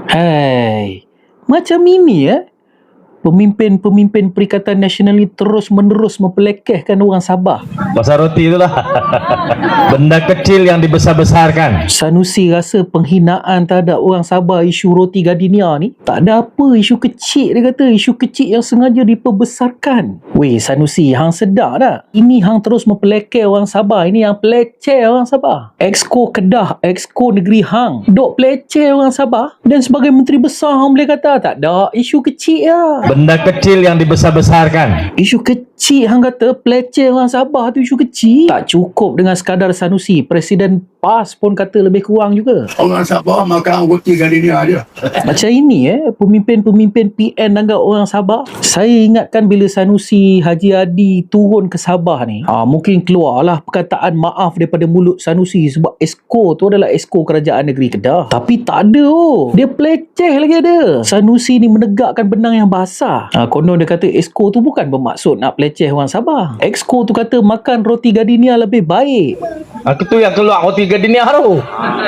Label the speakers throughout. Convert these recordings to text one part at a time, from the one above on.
Speaker 1: Hai, macam ini pemimpin-pemimpin Perikatan Nasional ni terus-menerus mempelekehkan orang Sabah.
Speaker 2: Pasal roti itulah. Benda kecil yang dibesar-besarkan.
Speaker 1: Sanusi rasa penghinaan terhadap orang Sabah isu roti gardenia ni tak ada apa, isu kecil dia kata, isu kecil yang sengaja diperbesarkan. Weh Sanusi, hang sedar tak? Ini hang terus mempelekeh orang Sabah, ini yang peleceh orang Sabah. Exco Kedah, Exco negeri hang, dok peleceh orang Sabah, dan sebagai menteri besar hang boleh kata tak ada, isu kecil lah.
Speaker 2: Benda kecil yang dibesar-besarkan.
Speaker 1: Isu kecil hang kata, peleceh orang Sabah tu isu kecil. Tak cukup dengan sekadar Sanusi, Presiden PAS pun kata lebih kurang juga.
Speaker 3: Orang Sabah makan roti gardenia aja.
Speaker 1: Macam ini pemimpin-pemimpin PN anggap orang Sabah. Saya ingatkan bila Sanusi Haji Adi turun ke Sabah ni, mungkin keluarlah perkataan maaf daripada mulut Sanusi sebab Exco tu adalah Exco Kerajaan Negeri Kedah. Tapi tak ada dia peleceh lagi ada. Sanusi ni menegakkan benang yang basah. Konon dia kata Exco tu bukan bermaksud nak peleceh orang Sabah. Exco tu kata makan roti gardenia lebih baik.
Speaker 2: Aku tu yang keluar roti gardenia tu.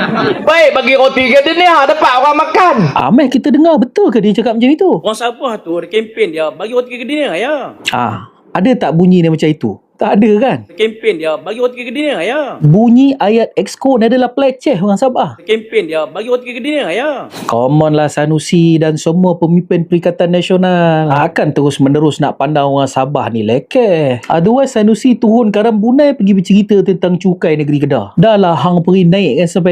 Speaker 2: Baik bagi roti gardenia dapat orang makan.
Speaker 1: Ameh kita dengar betul ke dia cakap macam itu?
Speaker 4: Orang Sabah tu ada kempen dia bagi roti gardenia ya.
Speaker 1: Ada tak bunyi dia macam itu? Tak ada kan?
Speaker 4: Kempen dia bagi roti gardenia ya.
Speaker 1: Bunyi ayat Exco ni adalah peleceh orang Sabah.
Speaker 4: Kempen dia bagi roti gardenia ya.
Speaker 1: Come on lah Sanusi dan semua pemimpin Perikatan Nasional akan terus menerus nak pandang orang Sabah ni lekeh. Otherwise Sanusi turun Karam Bunai pergi bercerita tentang cukai negeri Kedah. Dah lah hang pergi naikkan sampai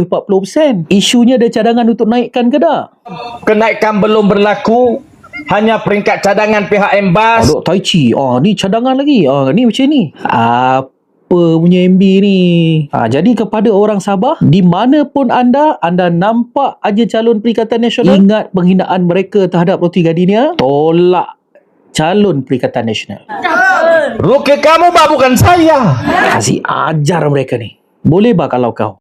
Speaker 1: 240%. Isunya ada cadangan untuk naikkan ke tak?
Speaker 2: Kenaikan belum berlaku. Hanya peringkat cadangan pihak Embas.
Speaker 1: Dok Tai Chi. Ni cadangan lagi. Ni macam ni. Apa punya MB ni? Jadi kepada orang Sabah, di mana pun anda nampak aja calon Perikatan Nasional, ingat penghinaan mereka terhadap roti gardenia, tolak calon Perikatan Nasional.
Speaker 2: Ruki kamu bah bukan saya.
Speaker 1: Kasih ajar mereka ni. Boleh bah kalau kau?